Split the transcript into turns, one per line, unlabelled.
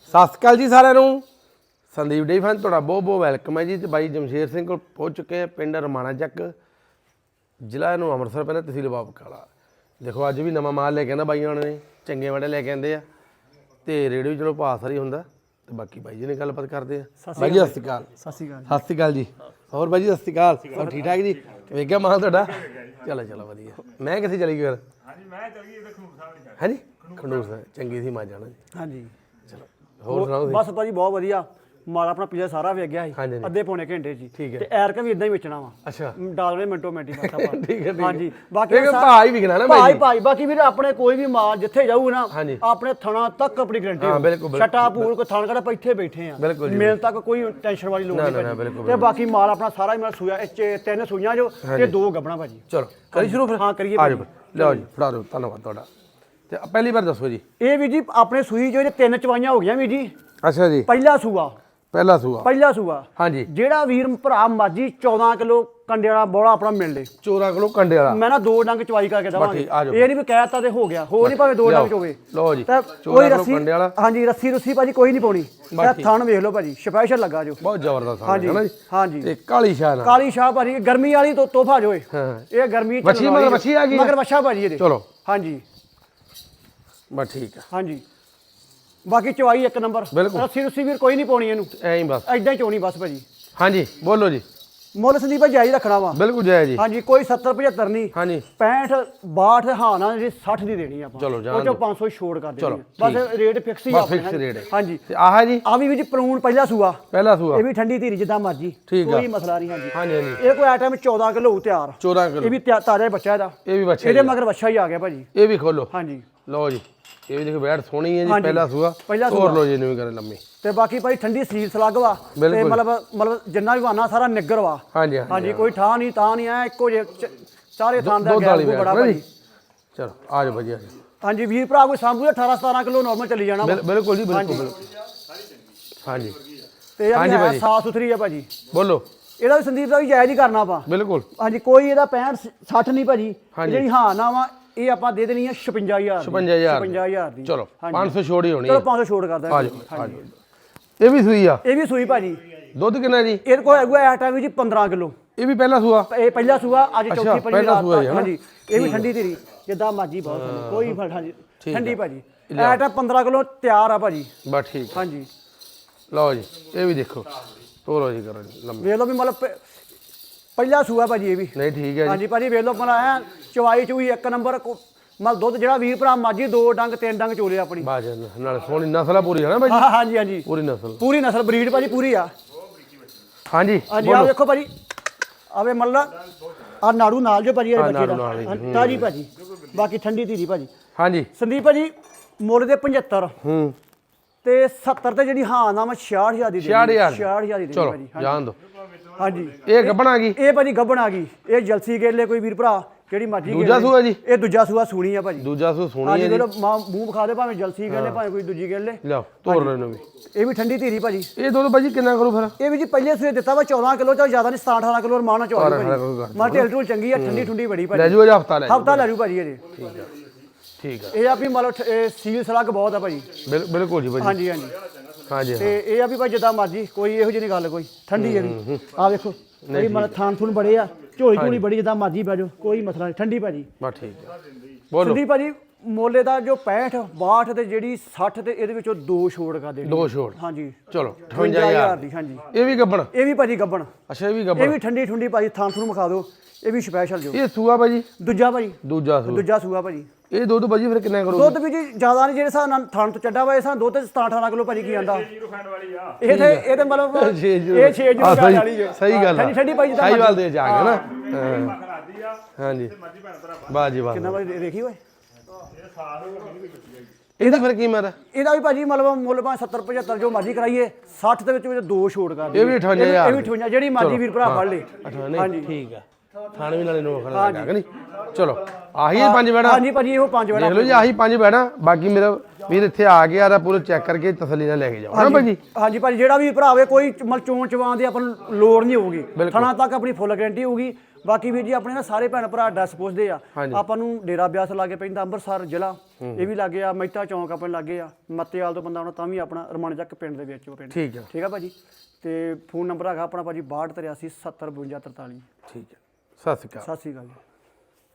ਸਤਿ ਸ਼੍ਰੀ ਅਕਾਲ ਜੀ ਸਾਰਿਆਂ ਨੂੰ। ਸੰਦੀਪ ਡੇਅਰੀ ਫਾਰਮ ਤੁਹਾਡਾ ਬਹੁਤ ਬਹੁਤ ਵੈਲਕਮ ਹੈ ਜੀ। ਤੇ ਬਾਈ ਜਮਸ਼ੇਰ ਸਿੰਘ ਕੋਲ ਪਹੁੰਚ ਚੁੱਕੇ ਆ ਪਿੰਡ ਰਮਾਣਾ ਚੱਕ, ਜ਼ਿਲ੍ਹਾ ਨੂੰ ਅੰਮ੍ਰਿਤਸਰ ਪੈਂਦਾ, ਤਹਿਸੀਲ ਬਾਬਕਾਲਾ। ਦੇਖੋ ਅੱਜ ਵੀ ਨਵਾਂ ਮਾਲ ਲੈ ਕੇ ਆਂਦਾ ਬਾਈਆਂ ਨੇ, ਚੰਗੇ ਵਾਲੇ ਲੈ ਕੇ ਆਂਦੇ ਆ ਤੇ ਰੇਟ ਵੀ ਚਲੋ ਭਾਅ ਸਾਰੀ ਹੁੰਦਾ। ਤੇ ਬਾਕੀ ਬਾਈ ਜੀ ਨੇ ਗੱਲਬਾਤ ਕਰਦੇ ਆ। ਬਾਈ ਜੀ ਸਤਿ ਸ਼੍ਰੀ ਅਕਾਲ।
ਸਤਿ ਸ਼੍ਰੀ ਅਕਾਲ।
ਸਤਿ ਸ਼੍ਰੀ ਅਕਾਲ ਜੀ। ਹੋਰ ਬਾਈ ਜੀ ਸਤਿ ਸ਼੍ਰੀ ਅਕਾਲ। ਸਭ ਠੀਕ ਠਾਕ ਜੀ? ਵੇਖਿਆ ਮਾਲ ਤੁਹਾਡਾ? ਚਲੋ ਚਲੋ ਵਧੀਆ। ਮੈਂ ਕਿੱਥੇ ਚਲੀ ਗਈ ਫਿਰ?
ਹਾਂਜੀ ਮੈਂ ਚਲ ਗਈ ਇਹਦੇ ਖਨੂਰ ਸਾਹਿਬ।
ਹਾਂਜੀ ਖੰਡੂਰ ਸਾਹਿਬ ਚੰਗੀ ਸੀ ਮਾਂ ਜਾਣਾ ਜੀ।
ਹਾਂਜੀ
ਚਲੋ ਹੋਰ ਸੁਣਾਓ ਤੁਸੀਂ?
ਬਸ ਭਾਜੀ ਬਹੁਤ ਵਧੀਆ ਮਾਲ ਆਪਣਾ ਪਿਛਲੇ ਸਾਰਾ ਵੇਚ ਗਿਆ ਸੀ ਅੱਧੇ ਪੌਣੇ ਘੰਟੇ ਜੀ।
ਠੀਕ ਹੈ।
ਤੇ ਐਰਕਾ ਵੀ ਇਦਾਂ ਹੀ ਵੇਚਣਾ ਵਾ।
ਅੱਛਾ
ਡਾਲਰੇ ਮਿੰਟੋ ਮਿੰਟੀ ਬਸ ਆਪਾਂ।
ਠੀਕ ਹੈ
ਹਾਂਜੀ ਬਾਕੀ
ਭਾਅ ਹੀ ਵਿਕਣਾ ਨਾ
ਭਾਈ ਭਾਈ ਬਾਕੀ ਵੀਰ ਆਪਣੇ ਕੋਈ ਵੀ ਮਾਲ ਜਿੱਥੇ ਜਾਊ ਨਾ ਆਪਣੇ ਥਣਾ ਤੱਕ ਆਪਣੀ ਗਰੰਟੀ
ਹਾਂ ਬਿਲਕੁਲ
ਛਟਾ ਪੂਲ ਕੋਈ ਥਣ ਕੜਾ ਇੱਥੇ ਬੈਠੇ ਆ ਮਿਲ ਤੱਕ ਕੋਈ ਟੈਨਸ਼ਨ ਵਾਲੀ ਲੋੜ ਨਹੀਂ। ਤੇ ਬਾਕੀ ਮਾਲ ਆਪਣਾ ਸਾਰਾ ਹੀ ਮੇਰਾ ਸੂਆ ਇਹ ਤਿੰਨ ਸੂਈਆਂ ਜੋ ਤੇ ਦੋ ਗੱਬਣਾ ਭਾਜੀ।
ਚਲੋ ਕਰੀ ਸ਼ੁਰੂ ਫਿਰ?
ਹਾਂ ਕਰੀਏ
ਆ ਜਾਓ ਲਿਆਓ ਜੀ, ਫੜਾ ਦਿਓ। ਧੰਨਵਾਦ ਤੁਹਾਡਾ। ਤੇ ਪਹਿਲੀ ਵਾਰ ਦੱਸੋ ਜੀ।
ਇਹ ਵੀ ਜੀ ਆਪਣੇ ਸੂਈ ਜੋ ਤਿੰਨ ਚਵਾਈਆਂ ਹੋ ਗਈਆਂ ਵੀ ਜੀ।
ਅੱਛਾ ਜੀ
ਪਹਿਲਾ ਸੂਆ ਪਹਿਲਾ ਸੂਆ
ਹਾਂਜੀ।
ਜਿਹੜਾ ਵੀਰ ਭਰਾ ਮਾਜੀ 14 ਕਿਲੋ ਕੰਡੇ ਵਾਲਾ ਬੋਲਾ ਆਪਣਾ ਮਿਲ ਲੇ
14 ਕਿਲੋ ਕੰਡੇ ਵਾਲਾ ਮੈਂ
ਨਾ ਦੋ ਡੰਗ ਚਵਾਈ ਕਰਕੇ ਦਵਾਂਗੇ। ਇਹ ਨਹੀਂ ਵੀ ਕਹਿਤਾ ਤੇ ਹੋ ਗਿਆ, ਹੋਰ ਨਹੀਂ ਭਾਵੇਂ ਦੋ ਡੰਗ ਚੋਵੇ।
ਲਓ ਜੀ
ਕੋਈ ਰੱਸੀ ਹਾਂਜੀ ਰੱਸੀ ਰੁੱਸੀ ਭਾਜੀ ਕੋਈ ਨਹੀਂ ਪਾਉਣੀ। ਥਣ ਵੇਖ ਲਓ ਭਾਜੀ ਸਪੈਸ਼ਲ ਲੱਗਾ ਜੋ ਬਹੁਤ
ਜ਼ਬਰਦਸਤ ਹੈ ਨਾ ਜੀ।
ਹਾਂਜੀ
ਤੇ ਕਾਲੀ ਸ਼ਾਹ
ਭਾਜੀ ਗਰਮੀ ਵਾਲੀ ਤੋਹਫਾ ਜੋ ਇਹ ਗਰਮੀ
ਵੱਛੀ ਮਗਰ ਵੱਛੀ ਆ ਗਈ
ਮਗਰ ਵੱਛਾ ਭਾਜੀ ਇਹਦੇ।
ਚਲੋ
ਹਾਂਜੀ
ਬਸ ਠੀਕ ਆ।
ਹਾਂਜੀ ਬਾਕੀ ਚਵਾਈ ਇੱਕ ਨੰਬਰ। ਰੱਸੀ ਰੁੱਸੀ ਵੀਰ ਕੋਈ ਨਹੀਂ ਪਾਉਣੀ ਇਹਨੂੰ,
ਐਂ ਹੀ ਬਸ
ਐਦਾਂ ਹੀ ਚੋਣੀ ਬਸ ਭਾਜੀ।
ਹਾਂਜੀ ਬੋਲੋ ਜੀ।
ਮੁੱਲ ਸੰਦੀਪ ਭਾਈ ਜਾਇਜ਼ ਰੱਖਣਾ ਵਾ
ਬਿਲਕੁਲ ਜਾਇਜ਼ ਜੀ।
ਹਾਂਜੀ ਕੋਈ 70 75 ਨਹੀਂ।
ਹਾਂਜੀ
65 62 ਹਾਂ ਨਾ ਜੀ 60 ਦੀ ਦੇਣੀ ਆਪਾਂ।
ਚਲੋ
ਉਹ ਚੋਂ 500 ਛੋੜ ਕਰ ਦੇਣੀ ਬਸ। ਰੇਟ ਫਿਕਸ ਹੀ
ਆਪਣਾ ਫਿਕਸ ਰੇਟ ਹੈ।
ਹਾਂਜੀ
ਤੇ ਆਹ ਜੀ
ਆ ਵੀ ਜੀ ਪਲੂਣ ਪਹਿਲਾ ਸੂਆ ਇਹ ਵੀ ਠੰਡੀ ਧੀਰੀ ਜਿੱਦਾਂ ਮਰਜੀ ਕੋਈ ਮਸਲਾ ਨਹੀਂ। ਹਾਂਜੀ
ਹਾਂਜੀ
ਇਹ ਕੋਈ ਆਈਟਮ 14 ਕਿਲੋ ਤਿਆਰ
14 ਕਿਲੋ
ਇਹ ਵੀ ਤਾਜ਼ਾ ਬੱਚਾ ਇਹਦਾ।
ਇਹ ਵੀ ਬੱਚਾ
ਇਹਦੇ ਮਗਰ ਬੱਚਾ ਹੀ ਆ ਗਿਆ ਭਾਜੀ।
ਇਹ ਵੀ ਖੋਲੋ।
ਹਾਂਜੀ
ਲਓ ਜੀ ਇਹ ਵੀ ਦੇਖੋ ਬੈਠ ਸੋਹਣੀ ਹੈ ਜੀ। ਪਹਿਲਾ ਸੂਆ ਹੋਰ ਲਓ ਜੀ ਇਹਨੂੰ ਵੀ ਕਰੇ ਲੰਮੀ।
ਤੇ ਬਾਕੀ ਭਾਈ ਠੰਡੀ ਸੀਲ ਸਲੱਗ ਵਾ ਤੇ ਮਤਲਬ ਜਿੰਨਾ ਵੀ ਵਾਨਾ ਸਾਰਾ ਨਿੱਗਰ ਵਾ।
ਹਾਂਜੀ
ਹਾਂਜੀ ਕੋਈ ਠਾਂ ਨਹੀਂ ਤਾਂ ਨਹੀਂ ਐ ਇੱਕੋ ਜੇ ਸਾਰੇ ਥਾਂ ਦਾ ਗੈਪ ਬੜਾ ਭਾਜੀ।
ਚਲੋ ਆ ਜਾਓ ਵਧੀਆ।
ਹਾਂਜੀ ਵੀਰ ਭਰਾ ਕੋਈ ਸਾਂਭੂ 18 17 ਕਿਲੋ ਨਾਰਮਲ ਚੱਲੀ ਜਾਣਾ।
ਬਿਲਕੁਲ ਜੀ ਬਿਲਕੁਲ। ਹਾਂਜੀ
ਤੇ ਇਹ ਸਾਫ ਸੁਥਰੀ ਆ ਭਾਜੀ।
ਬੋਲੋ
ਇਹਦਾ ਵੀ ਸੰਦੀਪ ਦਾ ਵੀ ਜਾਇਜ਼ ਹੀ ਕਰਨਾ ਆਪਾਂ।
ਬਿਲਕੁਲ ਹਾਂਜੀ
ਕੋਈ ਇਹਦਾ 65 60 ਨਹੀਂ ਭਾਜੀ। ਜਿਹੜੀ ਹਾਂ ਨਾ ਵਾ ਇਹ ਆਪਾਂ ਦੇ ਦੇਣੀ ਆ 56000 ਦੀ।
ਚਲੋ 500 ਛੋੜ ਹੀ ਹੋਣੀ।
ਚਲੋ 500 ਛੋੜ ਕਰਦਾ।
ਆ ਜਾਓ ਇਹ ਵੀ ਸੂਈ ਆ।
ਇਹ ਵੀ ਸੂਈ ਭਾਜੀ।
ਦੁੱਧ ਕਿੰਨਾ ਜੀ?
ਇਹਦੇ ਕੋਲ ਹੈਗਾ ਐ ਟਾਈਮ ਜੀ 15 ਕਿਲੋ।
ਇਹ ਵੀ ਪਹਿਲਾ ਸੂਆ?
ਇਹ ਪਹਿਲਾ ਸੂਆ ਅੱਜ ਚੌਥੀ ਪੰਜਵੀਂ ਰਾਤ।
ਹਾਂਜੀ
ਇਹ ਵੀ ਠੰਡੀ ਧੀਰੀ ਜਿੱਦਾਂ ਮਰਜੀ ਬਹੁਤ ਕੋਈ ਹਾਂਜੀ ਠੰਡੀ ਭਾਜੀ। ਐ ਟਾਈਮ 15 ਕਿਲੋ ਤਿਆਰ ਆ ਭਾਜੀ।
ਬਸ ਠੀਕ
ਹਾਂਜੀ
ਲਓ ਜੀ ਇਹ ਵੀ ਦੇਖੋ ਤੋਰੋ ਜੀ ਕਰੋ ਜੀ ਲੰਮੀ।
ਵੇਖ ਲਓ ਵੀ ਮਤਲਬ ਪਹਿਲਾ ਸੂਆ ਭਾਜੀ ਇਹ ਵੀ।
ਨਹੀਂ ਠੀਕ ਹੈ ਜੀ।
ਹਾਂਜੀ ਭਾਜੀ ਵੇਖ ਲਓ ਮਤਲਬ ਚਵਾਈ ਚੂਈ ਇੱਕ ਨੰਬਰ। ਮਤਲਬ ਦੁੱਧ ਜਿਹੜਾ ਵੀਰ ਭਰਾ ਮਾਜੀ ਦੋ ਡੰਗ ਤਿੰਨ ਡੰਗ ਚੋਲੇ ਆਪਣੀ
ਬਾਜ ਨਾਲ ਸੋਹਣੀ ਨਸਲ ਆ ਪੂਰੀ ਹੈ ਨਾ ਭਾਜੀ?
ਹਾਂਜੀ ਹਾਂਜੀ ਪੂਰੀ ਨਸਲ ਬਰੀਡ ਭਾਜੀ ਪੂਰੀ ਆ।
ਹਾਂਜੀ
ਹਾਂਜੀ ਆ ਦੇਖੋ ਭਾਜੀ ਆਵੇ ਮਤਲਬ ਆ ਨਾੜੂ ਨਾਲ ਜੋ ਭਾਜੀ ਬੱਚੇ ਦਾ ਤਾਜੀ ਭਾਜੀ। ਬਾਕੀ ਠੰਡੀ ਧੀਰੀ ਭਾਜੀ।
ਹਾਂਜੀ
ਸੰਦੀਪ ਭਾਜੀ ਮੁੱਲ ਦੇ 75 ਤੇ 70 ਤੇ ਜਿਹੜੀ ਹਾਂ ਨਾ ਮੈਂ 66000 ਦੀ ਦੇ 66000 ਦੀ
ਚਲੋ
ਭਾਜੀ।
ਜਾਣ ਦੋ।
ਹਾਂਜੀ
ਇਹ ਗੱਬਣ ਆ ਗਈ।
ਇਹ ਭਾਜੀ ਗੱਬਣ ਆ ਗਈ। ਇਹ ਜਲਸੀ ਗੇਲੇ ਕੋਈ ਵੀਰ ਭਰਾ ਜਿਹੜੀ ਮਰਜੀ
ਦੂਜਾ ਸੂਆ ਜੀ?
ਇਹ ਦੂਜਾ ਸੂਆ ਸੂਣੀ ਆ ਭਾਜੀ।
ਦੂਜਾ ਸੂਆ ਸੋਹਣੀ ਹੈ ਜੀ।
ਮੂੰਹ ਵਿਖਾ ਦੇ ਭਾਵੇਂ ਜਲਸੀ ਗੇਲੇ ਭਾਵੇਂ ਕੋਈ ਦੂਜੀ ਗੇਲੇ।
ਲਓ ਤੋੜ ਲੈ ਇਹਨੂੰ ਵੀ।
ਇਹ ਵੀ ਠੰਡੀ ਧੀਰੀ ਭਾਜੀ।
ਇਹ ਦੁੱਧ ਭਾਜੀ ਕਿੰਨਾ ਕਰੂ ਫਿਰ?
ਇਹ ਵੀ ਜੀ ਪਹਿਲੇ ਸੂਏ ਦਿੱਤਾ ਵਾ 14 ਕਿਲੋ ਤੋਂ ਜ਼ਿਆਦਾ ਨਹੀਂ 17 18 ਕਿਲੋ ਰਮਾਨਾ ਚੋਰੀ ਭਾਜੀ। ਮਾਰ ਢੇਲ ਢੂਲ ਚੰਗੀ ਆ ਠੰਡੀ ਠੁੰਡੀ ਬੜੀ ਭਾਜੀ।
ਲੈ ਜੂ ਅਜ ਹਫਤਾ
ਲੈ ਜੂ ਭਾਜੀ ਇਹਦੇ।
ਠੀਕ ਆ ਠੀਕ ਆ।
ਇਹ ਆ ਵੀ ਮਤਲਬ ਸੀਲ ਸਲੱਗ ਬਹੁਤ ਆ ਭਾਜੀ।
ਬਿਲਕੁਲ ਜੀ ਭਾਜੀ।
ਹਾਂਜੀ ਹਾਂਜੀ
ਹਾਂਜੀ
ਤੇ ਇਹ ਆ ਵੀ ਭਾਈ ਜਿੱਦਾਂ ਮਰਜੀ ਕੋਈ ਇਹੋ ਜਿਹੀ ਨਹੀਂ ਗੱਲ ਕੋਈ ਠੰਡੀ ਹੈ ਵੀ। ਆ ਵੇਖੋ ਇਹ ਮਤਲਬ ਥਾਨ ਥੂਨ ਬੜੇ ਆ ਝੋਲੀ ਝੋਲੀ ਬੜੀ ਜਿੱਦਾਂ ਮਰਜੀ ਬਹਿ ਜਾਓ ਕੋਈ ਮਸਲਾ ਨਹੀਂ ਠੰਡੀ ਭਾਜੀ।
ਬਸ ਠੀਕ ਆ ਬੋਲੋ।
ਠੰਡੀ ਭਾਜੀ ਮੋਲੇ ਦਾ ਜੋ 65 62 ਤੇ ਜਿਹੜੀ 60 ਤੇ ਇਹਦੇ ਵਿੱਚੋਂ ਦੋ ਛੋੜ ਕਰ ਦੇਣੀ।
ਦੋ ਛੋੜ
ਹਾਂਜੀ
ਚਲੋ
58000 ਦੀ। ਹਾਂਜੀ
ਇਹ ਵੀ ਗੱਬਣ?
ਇਹ ਵੀ ਭਾਜੀ ਗੱਬਣ।
ਅੱਛਾ ਇਹ ਵੀ ਗੱਬਣ।
ਇਹ ਵੀ ਠੰਡੀ ਠੁੰਡੀ ਭਾਜੀ ਥਾਨ ਥੂਨ ਵਿਖਾ ਦਿਓ। ਇਹ ਵੀ ਸਪੈਸ਼ਲ ਜੋ।
ਇਹ ਸੂਆ ਭਾਜੀ?
ਦੂਜਾ ਭਾਜੀ।
ਦੂਜਾ
ਸੂਆ ਭਾਜੀ।
ਇਹ ਦੁੱਧ ਭਾਜੀ ਫਿਰ ਕਿੰਨਾ ਕਰੂ?
ਦੁੱਧ ਵੀ ਜੀ ਜ਼ਿਆਦਾ ਨਹੀਂ ਜਿਹੜੇ ਹਿਸਾਬ ਨਾਲ ਥਣ ਤੋਂ ਚੱਡਾ ਵਾ ਇਸ ਦੁੱਧ ਤੇ 17 18 ਕਿਲੋ ਭਾਜੀ ਕੀ ਆਂਦਾ। ਇਹ ਤੇ ਮਤਲਬ ਇਹ 6 ਜੁਗਾ ਵਾਲੀ ਹੈ।
ਸਹੀ ਗੱਲ
ਠੰਡੀ ਠੰਡੀ ਭਾਜੀ
ਸਹੀ ਗੱਲ ਦੇ ਜਾ ਕੇ ਨਾ। ਹਾਂਜੀ ਬਾਜੀ ਜੀ ਬਾਜੀ
ਕਿੰਨਾ ਭਾਜੀ ਦੇਖੀ ਓਏ
ਇਹਦਾ ਫਿਰ ਕੀ ਮੇਰਾ?
ਇਹਦਾ ਵੀ ਭਾਜੀ ਮਤਲਬ ਮੁੱਲ ਭਾਵੇਂ 70 75 ਜੋ ਮਰਜ਼ੀ ਕਰਾਈਏ 60 ਦੇ ਵਿੱਚ ਦੋ ਛੋੜ ਕਰ ਦੇ।
ਇਹ ਵੀ 58000
ਇਹ ਵੀ 58 ਜਿਹੜੀ ਮਰਜ਼ੀ ਵੀਰ ਭਰਾ ਫੜ ਲੇ।
ਹਾਂਜੀ ਠੀਕ ਆ। ਥਾਣੇ ਵੀ ਨਾਲੇ ਨੋਖ ਲਗਾ ਕਿ ਨਹੀਂ। ਚਲੋ ਆਹੀ 5 ਬੈੜਾ।
ਹਾਂਜੀ ਭਾਜੀ ਇਹੋ 5 ਬੈੜਾ
ਦੇਖ ਲਓ ਜੀ ਆਹੀ 5 ਬੈੜਾ। ਬਾਕੀ ਮੇਰਾ ਵੀਰ ਇੱਥੇ ਆ ਗਿਆ ਆ ਪੂਰਾ ਚੈੱਕ ਕਰਕੇ ਤਸੱਲੀ ਨਾਲ ਲੈ ਕੇ ਜਾਓ ਨਾ ਭਾਜੀ।
ਹਾਂਜੀ ਭਾਜੀ ਜਿਹੜਾ ਵੀ ਭਰਾ ਹੋਵੇ ਕੋਈ ਮਲ ਚੋਣ ਚਵਾਂ ਦੀ ਆਪਾਂ ਨੂੰ ਲੋੜ ਨਹੀਂ ਹੋਊਗੀ। ਥਣਾ ਤੱਕ ਆਪਣੀ ਫੁੱਲ ਗਾਰੰਟੀ ਹੋਊਗੀ। ਬਾਕੀ ਵੀਰ ਜੀ ਆਪਣੇ ਨਾ ਸਾਰੇ ਭੈਣ ਭਰਾ ਐਡਰੈਸ ਪੁੱਛਦੇ ਆ ਆਪਾਂ ਨੂੰ ਡੇਰਾ ਬਿਆਸ ਲਾਗੇ ਪੈਂਦਾ ਅੰਮ੍ਰਿਤਸਰ ਜ਼ਿਲ੍ਹਾ ਇਹ ਵੀ ਲਾਗੇ ਆ ਮਹਿਤਾ ਚੌਂਕ ਆਪਣੇ ਲਾਗੇ ਆ ਮੱਤੇਵਾਲ ਤੋਂ ਬੰਦਾ ਆਉਣਾ ਤਾਂ ਵੀ ਆਪਣਾ ਰਮਾਣਾ ਚੱਕ ਪਿੰਡ ਦੇ ਵਿੱਚ ਉਹ ਪਿੰਡ
ਠੀਕ ਆ
ਠੀਕ ਆ ਭਾਜੀ ਤੇ ਫੋਨ ਨੰਬਰ ਹੈਗਾ ਆਪਣਾ ਭਾਜੀ 6283 70 52 43
ਠੀਕ ਹੈ ਸਤਿ ਸ਼੍ਰੀ ਅਕਾਲ
ਸਤਿ ਸ਼੍ਰੀ ਅਕਾਲ ਜੀ